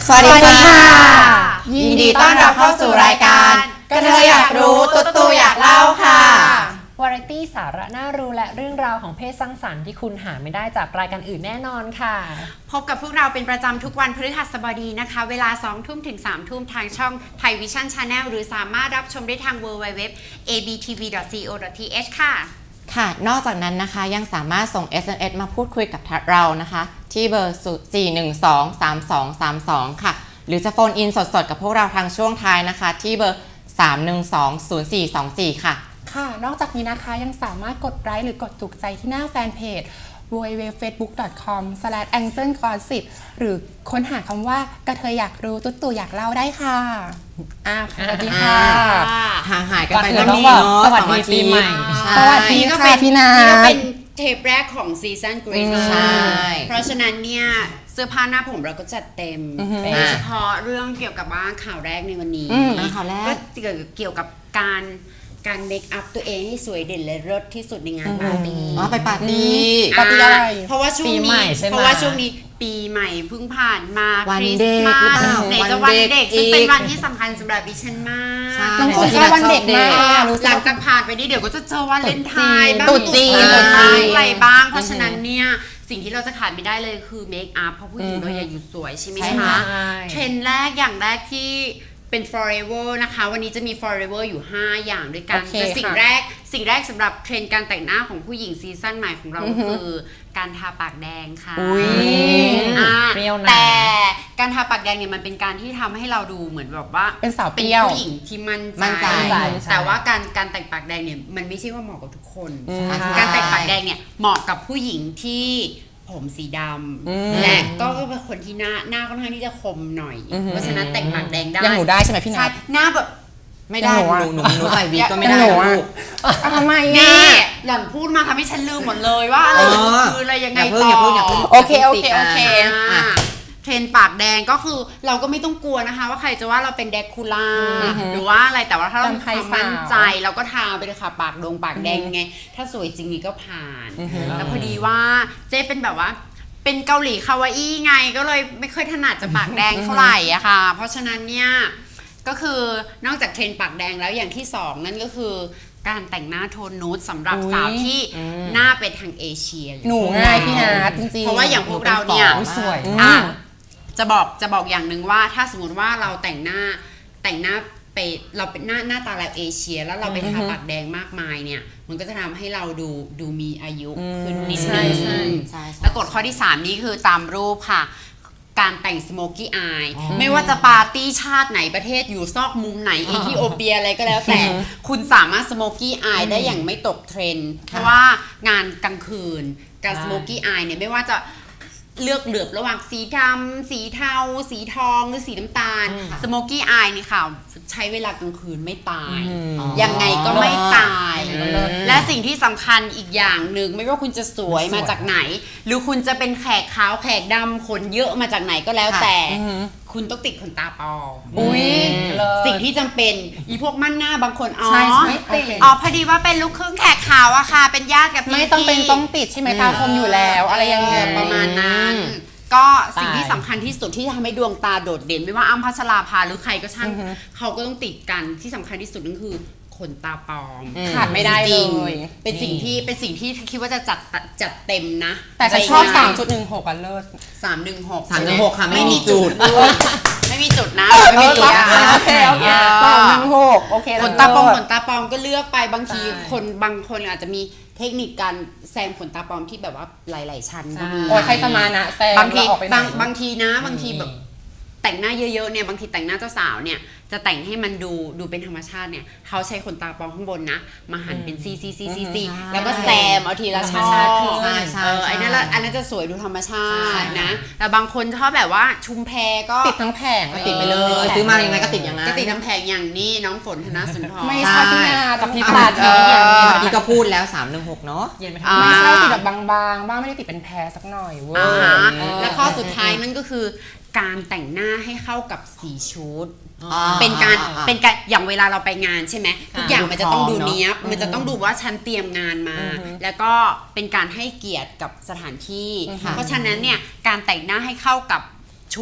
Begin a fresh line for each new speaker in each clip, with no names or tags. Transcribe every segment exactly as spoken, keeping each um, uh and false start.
สวัสดีค่ะยินดีต้อนรับเข้าสู่รายการกระเทยอยากรู้ตุ๊ตูอยากเล่าค่ะ
วาไรตี้สาระน่ารู้และเรื่องราวของเพศสร้างสรรค์ที่คุณหาไม่ได้จากรายการอื่นแน่นอนค่ะ
พบกับพวกเราเป็นประจำทุกวันพฤหัสบดีนะคะเวลาสองทุ่มถึงสามทุ่มทางช่อง Thai Vision Channel หรือสามารถรับชมได้ทาง ดับเบิลยู ดับเบิลยู ดับเบิลยู ดอท เอ บี ที วี ดอท ซี โอ ดอท ที เอช ค่ะ
ค่ะนอกจากนั้นนะคะยังสามารถส่ง เอส เอ็ม เอส มาพูดคุยกับเรานะคะที่เบอร์ สี่ หนึ่ง สอง สาม สอง สาม สอง ค่ะหรือจะโฟนอินสดๆกับพวกเราทางช่วงท้ายนะคะที่เบอร์ สาม หนึ่ง สอง ศูนย์ สี่ สอง สี่ ค่ะ
ค่ะนอกจากนี้นะคะยังสามารถกดไลค์หรือกดถูกใจที่หน้าแฟนเพจ ดับเบิลยู ดับเบิลยู ดับเบิลยู ดอท เฟซบุ๊ก ดอท คอม สแลช แองเจิล กอสซิป หรือค้นหาคำว่ากระเทยอยากรู้ตุ๊ตู่อยากเล่าได้ค่ะอ่ะสวัสดีค่ะ
ห่างหายกันไป
แล้ว
นี่เนาะ
สวัสดีปีใหม่
สวัสดีค่ะพี่นา
นี่ก็เป็นเทปแรกของซีซั่นกรีน
ใช่
เพราะฉะนั้นเนี่ยเสื้อผ้าหน้าผมเราก็จัดเต็มโดยเฉพาะเรื่องเกี่ยวกับว่าข่าวแรกในวันนี้
ข่าวแรก
ก็เกี่ยวกับการการเมคอัพตัวเองให้สวยเด่นและเลิศที่สุดในงานปาร์ตี้
อ๋อไปปาร์ตี้
ปาร์ตี้อะไร
เพราะว่าช่วงนี้เพราะว่าช่วงนี้ปีใหม่เพิ่งผ่านมา
วันเด็ก
ไหนจะวันเด็กซึ่งเป็นวันที่สำคัญสำหรับดิฉันมาก
น้องคนชอบวันเด็กมาก
หลังจากผ่านไปนี้เดี๋ยวก็จะเจอวันเลนไทน์บ้าง
ตุ๊จีน
อะไรบ้างเพราะฉะนั้นเนี่ยสิ่งที่เราจะขาดไม่ได้เลยคือเมคอัพเพราะผู้หญิงเราอยากอยู่สวยใช่ไหมคะเทรนด์แรกอย่างแรกที่เป็น forever นะคะวันนี้จะมี forever อยู่ห้าอย่างด้วยกันแต่สิ่งแรกสิ่งแรกสำหรับเทรนด์การแต่งหน้าของผู้หญิงซีซั่นใหม่ของเราคือการทาปากแดงค่ะ
เปรี้ยวนะ
แต่การทาปากแดงเนี่ยมันเป็นการที่ทำให้เราดูเหมือนแบบว่า
เป็นสาวเปรี้ยว
ผู้หญิงที่มั่นใจแต่ว่าการการแต่งปากแดงเนี่ยมันไม่ใช่ว่าเหมาะกับทุกคนการแต่งปากแดงเนี่ยเหมาะกับผู้หญิงที่ผมสีดำและก็เป็นคนที่หน้าหน้าค่อนข้างที่จะคมหน่อยเพราะฉะนั้นแต่งปากแดงได้
ยังหนูได้ใช่ไหมพี่นัท
หน้าแบบ
ไม่ได้หนูหนูหนูใส่วีก็ไม่ได้ลูก
ทำไม
นี่หล่อนพูดมาทำให้ฉันลืมหมดเลยว่าอะไรคืออะไรยังไงต่อ
โอเคโอเคโอเค
เทรนปากแดงก็คือเราก็ไม่ต้องกลัวนะคะว่าใครจะว่าเราเป็นแดกคูล่าหรือว่าอะไรแต่ว่าถ้าเรามีความมั่นใจเราก็ทาไปเลยค่ะปากดงปากแดงไงถ้าสวยจริงนี่ก็ผ่านแล้วพอดีว่าเจ๊เป็นแบบว่าเป็นเกาหลีคาวาอี้ไงก็เลยไม่ค่อยถนัดจะปากแดงเท่าไหร่อะค่ะเพราะฉะนั้นเนี่ยก็คือนอกจากเทรนปากแดงแล้วอย่างที่สองนั่นก็คือการแต่งหน้าโทนนูดสำหรับสาวที่หน้าเป็นทางเอเชีย
หนูง่ายพี่นัทจริงๆ
เพราะว่าอย่างพวกเราเนี่ย
สวย
จะบอกจะบอกอย่างหนึ่งว่าถ้าสมมติว่าเราแต่งหน้าแต่งหน้าไปเราเป็นหน้าหน้าตาแบบเอเชียแล้วเราไปทาปากแดงมากมายเนี่ยมันก็จะทำให้เราดูดูมีอายุขึ้นนิดนึงแล้วกฎข้อที่สามนี้คือตามรูปค่ะการแต่งสโมกี้อายไม่ว่าจะปาร์ตี้ชาติไหนประเทศอยู่ซอกมุมไหนเอธิโอเปียอะไรก็แล้วแต่คุณสามารถสโมกี้อายได้อย่างไม่ตกเทรนด์เพราะว่างานกลางคืนการสโมกี้อายเนี่ยไม่ว่าจะเลือกเหลือบระหว่างสีดำสีเทาสีทองหรือสีน้ำตาลสโมกี้อายนี่ค่ะใช้เวลากลางคืนไม่ตายยังไงก็ไม่ตายและสิ่งที่สำคัญอีกอย่างหนึ่งไม่ว่าคุณจะสวยมาจากไหนหรือคุณจะเป็นแขกขาวแขกดำขนเยอะมาจากไหนก็แล้วแต่คุณต้องติดขนตาปลอม
อุ้ย
สิ่งที่จำเป็นอีพวกมั่นหน้าบางคนอ๋อ
อ๋
อพอดีว่าเป็นลูกครึ่งแขกขาวอะค่ะเป็นญาติกับพี่
ไม่ต้องเป็นต้องติดใช่ไหมตาคมอยู่แล้วอะไรยังไง
ประมาณนั้นก็สิ่งที่สำคัญที่สุดที่ทำให้ดวงตาโดดเด่นไม่ว่าอ้ำพัชราภาหรือใครก็ช่างเขาก็ต้องติดกันที่สำคัญที่สุดนั่นคือขนตาปลอม
ขาดไม่ได้เลย
เป็นสิ่งที่เป็นสิ่งที่คิดว่าจะจัดจัดเต็มนะ
แต่จะชอบ สามจุดหนึ่งหก กันเลิศ
สามหนึ่งหก
สามหนึ่งหกค่ะไม่มีจุด
ไม่มีจุดนะไม่มีจุด
โอเคโอเคสามหนึ่งหกโอเค
ขนตาปลอมขนตาปลอมก็เลือกไปบางทีคนบางคนอาจจะมีเทคนิคการแซมขนตาปลอมที่แบบว่าหลายๆชั้นก็มี
โอ้ยใครจะมานะแซม
บางทีบางบางทีนะบางทีแบบแต่งหน้าเยอะๆเนี่ยบางทีแต่งหน้าเจ้าสาวเนี่ยจะแต่งให้มันดูดูเป็นธรรมชาติเนี่ยเขาใช้ขนตาปลอมข้างบนนะมาหั่นเป็นซีซีซีซีซีแล้วก็แซมเอาทีละช่อเออไอ้นั่นละอันนั้นจะสวยดูธรรมชาตินะแต่บางคนชอบแบบว่าชุมแพก็
ติดทั้งแผง
ติดไปเลยซื้อมายังไงก็ติดอย่างนั้น
ก็ติดทั้งแผงอย่างนี้น้องฝนธนสุนทร
ไม่ใช่พี่นากับพี่ปาด
พี่ก็พูดแล้วสามหนึ่งหกเนาะ
ไม่ใช่ติดแบบบางๆบ้างไม่ได้ติดเป็นแพรสักหน่อยเว้ย
แล้วข้อสุดท้ายนั่นก็คือการแต่งหน้าให้เข้ากับสีชุดเป็นการเป็นการอย่างเวลาเราไปงานใช่ไหมทุกอย่างมันจะต้องดูเนี้ยบมันจะต้องดูว่าฉันเตรียมงานมาแล้วก็เป็นการให้เกียรติกับสถานที่เพราะฉะนั้นเนี่ยการแต่งหน้าให้เข้ากับชุด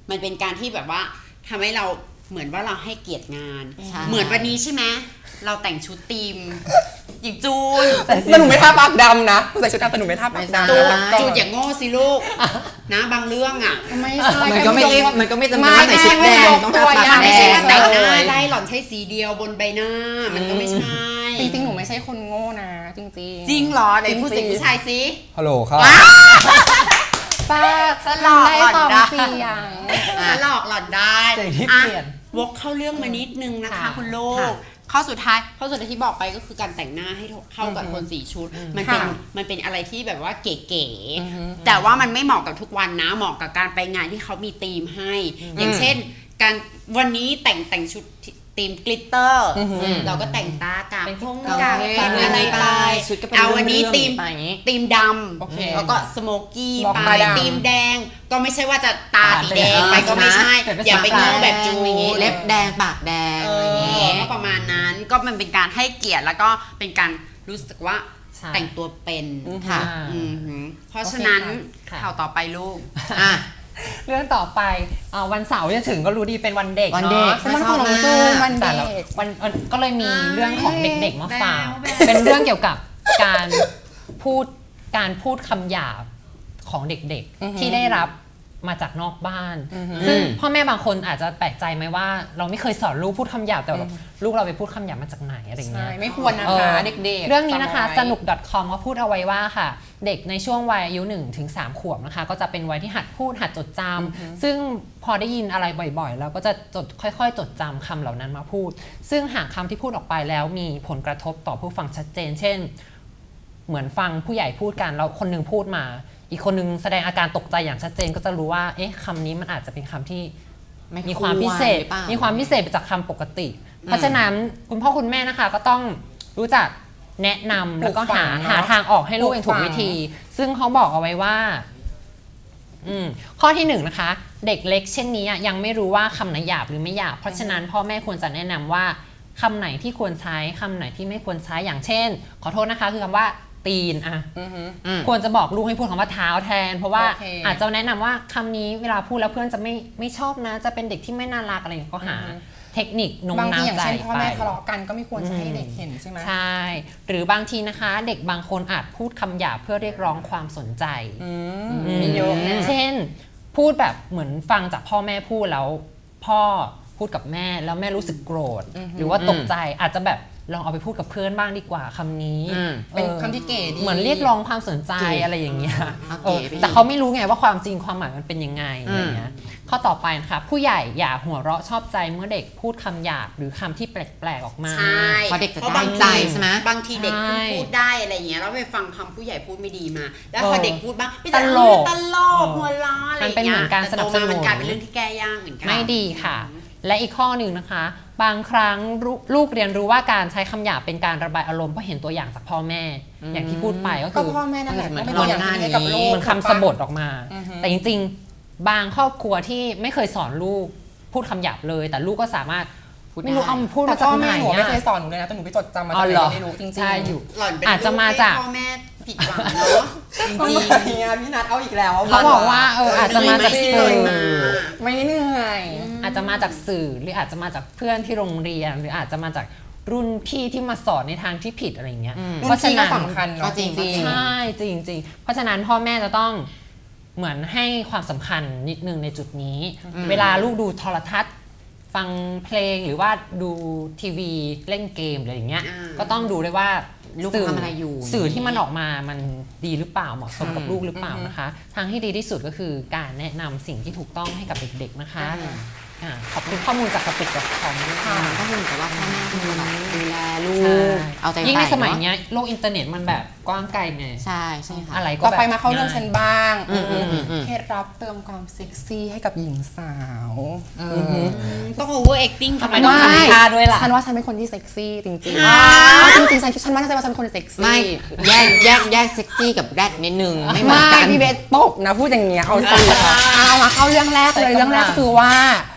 มันเป็นการที่แบบว่าทำให้เราเหมือนว่าเราให้เกียรติงาน
ใช่
เหมือนวันนี้ใช่ไหมเราแต่งชุดทีมหญิงจูน
แต่หนูไม่ทาปากดำนะหนูใส่ชุดดำแต่หนูไม่ทาปากดำ
จูน
นะ
จูนอย่างโง่สิลูกนะบางเรื่องอ่ะ
ไม่ใช่
มันก็ไม่ได้มันก็ไม่จำเป็น
ไม่
ต้องใส่ชุดแดง
ไม่
ต้องทาปาก
ไม่
แด
ไม่ใช่
ง
ว่าแต่งหน้า
เลย
ได้หล่อนใช้สีเดียวบนใบหน้า มันก็ไม่ใช่
จริงๆหนูไม่ใช่คนโง่นะจริงๆ
จริงเหรอไหนพูดเสียงผู้ชายสิ
ฮัลโหลครับ
ป้า
สลอก
ได้
หล่อน
สอง
ได้
เสียง
ฉันหลอกหล่อนได้
เสียงที่
อ่ะ
เปลี่ยน
วกเข้าเรื่องมานิดนึงนะคะ
ค่ะ
คุณลู
ค่ะ
กข้อสุดท้ายข้อสุดท้ายที่บอกไปก็คือการแต่งหน้าให้เข้ากับโทนสีชุด มันเป็น
ค่ะ
มันเป็นอะไรที่แบบว่าเก๋ๆแต่ว่ามันไม่เหมาะกับทุกวันนะเหมาะกับการไปงานที่เขามีธีมให้ อย่างเช่น การวันนี้แต่งแต่งชุดธีมกลิตเตอร์เราก็แต่งตากาก
เป็น
พง
กาง
กาก
เกง
ปันอะไรไป
ชุดก็เป็น
เอาวันนี้
เรื่องๆ
ธีม
ไปอย่างงี้
ธีมด
โอเค
ำแล้วก็สโมกี้
บอก
ไป
มาดำ
ธีมแดงก็ไม่ใช่ว่าจะตาสีแดง
อ่า
ไปก็ไม่ใช่
แต่เป็น
อย่าไป
สี
โง่แบบจู
อย่างงี้
น
เล็บแดงปากแดง
เอ
อะไรอย่างงี้
อก็ประมาณนั้นก็มันเป็นการให้เกียรติแล้วก็เป็นการรู้สึกว่า
ใช่
แต่งตัวเป็น
ค่ะ
อืมหือเพราะฉะนั้น
ค่ะ
ข่าวต่อไปลูก
อ่ะ
เรื่องต่อไปเอ่อวันเสาร์จะถึงก็รู้ดีเป็นวันเด็ก
วันเด็ก
เนาะ
เป็นวันของน้องจูนวัน
แต่
เด็
ละ
ก
วันวันก็เลยมีเรื่องของเด็กๆมาฝาก
แบ๊ว
เป็นเรื่องเกี่ยวกับการพูดการพูดคำหยาบของเด็ก
อือฮึ
ๆ ที่ได้รับมาจากนอกบ้าน
อือฮึ
ซึ่งพ่อแม่บางคนอาจจะแปลกใจไหมว่า เราไม่เคยสอนลูกพูดคำหยาบแต่แบบลูกเราไปพูดคำหยาบมาจากไหนอะไรอย่างเงี้
ใช่
ย
ไม่ควรนะ
เอ
คะ
อ
เด็กๆ
เรื่องนี้นะคะ
จำไว้
สนุก .com ก็พูดเอาไว้ว่าค่ะ เด็กในช่วงวัยอายุหนึ่งถึงสามขวบนะคะ ก็จะเป็นวัยที่หัดพูดหัดจดจำซึ่งพอได้ยินอะไรบ่อยๆ แล้วก็จะจดค่อยๆ จดจำคำเหล่านั้นมาพูด ซึ่งหากคำที่พูดออกไปแล้วมีผลกระทบต่อผู้ฟังชัดเจน เช่น เหมือนฟังผู้ใหญ่พูดกันแล้วคนหนึงพูดมา อีกคนหนึงแสดงอาการตกใจอย่างชัดเจนก็จะรู้ว่าเอ๊ะคำนี้มันอาจจะเป็นคำที่
ไม่
มีความพิเศษ
หรือเปล่า
มีความพิเศษไปจากคำปกติ เพราะฉะนั้นคุณพ่อคุณแม่นะคะก็ต้องรู้จักแนะนำแล้วก็หา
ปลูกฝังเนอะ
หาทางออกให้ลูกอย่างถูกวิธี ซึ่งเขาบอกเอาไว้ว่าอืมข้อที่หนึ่งนะคะ เด็กเล็กเช่นนี้อะยังไม่รู้ว่าคำไหนหยาบหรือไม่หยาบ เพราะฉะนั้นพ่อแม่ควรจะแนะนำว่าคำไหนที่ควรใช้คำไหนที่ไม่ควรใช้อย่างเช่น ขอโทษนะคะคือคำว่าตีนอะ
อือฮึ
อืม
ควรจะบอกลูกให้พูดคำว่าเท้าแทน เพราะว่า
โอเค
อาจจะแนะนำว่าคำนี้เวลาพูดแล้วเพื่อนจะไม่ไม่ชอบนะ จะเป็นเด็กที่ไม่น่ารักอะไรอย่างเงี้ยก็หา
อือฮึ
เทคนิคโน้ม
บางที
น้าว
อย่าง
ใจ
เช่นพ่อ
ไป
แม่ทะเลาะกันก็ไม่ควรจะให้เด็กเห็นใช่ไหม
ใช่ หรือบางทีนะคะ เด็กบางคนอาจพูดคำหยาบเพื่อเรียกร้องความสนใจ
อืม
อืม
มีเยอะนะ
เช่น พูดแบบเหมือนฟังจากพ่อแม่พูดแล้ว พ่อพูดกับแม่แล้วแม่รู้สึกโกรธ หรือว่าตกใจอาจจะแบบลองเอาไปพูดกับเพื่อนบ้างดีกว่าคำนี้
อืม
เป็น
ออ
คำที่เก๋ดี
เหมือนเรียกร้องความสนใจ
เก๋
อะไรอย่างเงี้ย
เอา
เอ
เก๋
อ
ไปอีก
แต่เขาไม่รู้ไงว่าความจริงความหมายมันเป็นยังไงอะไรเงี้ยข้อต่อไปนะคะผู้ใหญ่อย่าหัวเราะชอบใจเมื่อเด็กพูดคำหยาบหรือคำที่แปลกๆออกมา
ใช่
เพราะเด็กจะ
พรา
ได้
บาง
ใจ
ที
ใช่ไหม
บางทีเด็ก
ใช่
พูดได้อะไรอย่างเงี้ยแล้วไปฟังคำผู้ใหญ่พูดไม่ดีมา แล้ว
เออ
พอเด็กพูดบ้างไม่
ตลก
ตลกหัวล้ออะไรอย่าง
มันเป็น
เงี้
เหมื
ย
อนการสนับสนุน
แต่โตมามันกลายเป็นเรื่องที่แก้ยากเหมือนกัน
ไม่ดีค่ะ และอีกข้อหนึ่งนะคะ บางครั้งลูกลูกเรียนรู้ว่าการใช้คำหยาบเป็นการระบายอารมณ์เพราะเห็นตัวอย่างจากพ่อแม่ อย่างที่พูดไปก็
ก็
คือ
พ่อแม่นั่นแหละ
เหมือน
ก็เป็นตัวอย่างที่ดีให้กับลูก
เหมือนคำสบทออกมา
อือฮึ
แต่จริงๆ บางครอบครัวที่ไม่เคยสอนลูกพูดคำหยาบเลย แต่ลูกก็สามารถ
พูดได้
ไม่รู้เอามาพูด
แต่
มาจาก
พ่อ
ไหน
แม่หนูไม่
อะ
เคยสอนหนูเลยนะแต่หนูไปจดจำมา
อ๋อ
จากไห
เหรอ
นไม่รู้จริงๆ
ใช่อยู่
หล่อนเป็น
อาจจะมาจาก
ลูให้พ่อแม่ผิดหวังเนาะจริง
จริงๆพี่นัทเอาอีกแล้ว
เขาบอกว่าเอออาจจะมาจาก
ไม่
สื่
ได้
อ
มา
ไม่เหนื่อย
อาจจะมาจากสื่อหรืออาจจะมาจากเพื่อนที่โรงเรียน หรืออาจจะมาจากรุ่นพี่ที่มาสอนในทางที่ผิดอะไรอย่างเงี้ย
รุ่นพี่ก็สำคัญ
ก็
เนาะ
จริง
จริง
ใช่จริงจริงๆเพราะฉะนั้นพ่อแม่จะต้องเหมือนให้ความสำคัญนิดนึงในจุดนี้ เวลาลูกดูโทรทัศน์ ฟังเพลงหรือว่าดูทีวีเล่นเกมอะไรอย่างเงี้ย
อ่า
ก็ต้องดูด้วยว่า
ลูก
สื่
ทำอะไรอยู่
สื่อที่มันออกมามันดีหรือเปล่าเหมาะสมกับลูกหรือเปล่านะคะ ทางที่ดีที่สุดก็คือการแนะนำสิ่งที่ถูกต้องให้กับเด็กๆนะคะอ่าขอบคุณข้อมูลจากกระปิดกับคอมด้วยค่ะ
ก็คือเหมือนกับว่าพ่อแม่คือแบบดูแลลู
ใช่
ก เอาใจ
ยิ่งใน
ใส่
สมัย
เนอะ
เนี้ยโลกอินเทอร์เน็ตมันแบบกว้างไกลไง
ใช่ใช่ค่ะ
อะไรก็
ต่อ
แบบ
ไปมาเข้าเรื่องฉันบ้าง
อืมอืมอืมอืม
เคล็ดลับเติมความเซ็กซี่ให้กับหญิงสาว
ต้อง over acting
ทำไมต้องทำท่าด้วยล่ะ
ฉันว่าฉันเป็นคนที่เซ็กซี่จริงๆจริงๆฉันฉันว่าฉันว่าฉันเป็นคนเซ็กซี่
ไม่แยกแยกแยกเซ็กซี่กับแรดนิดนึง ไม่เหมือน
ไม่
กัน
พี่เบสตกนะพูดอย่างเงี้ยเอาสิเอามาเข้าเรื่องแรกเลยเรื่องแรกก็คือว่า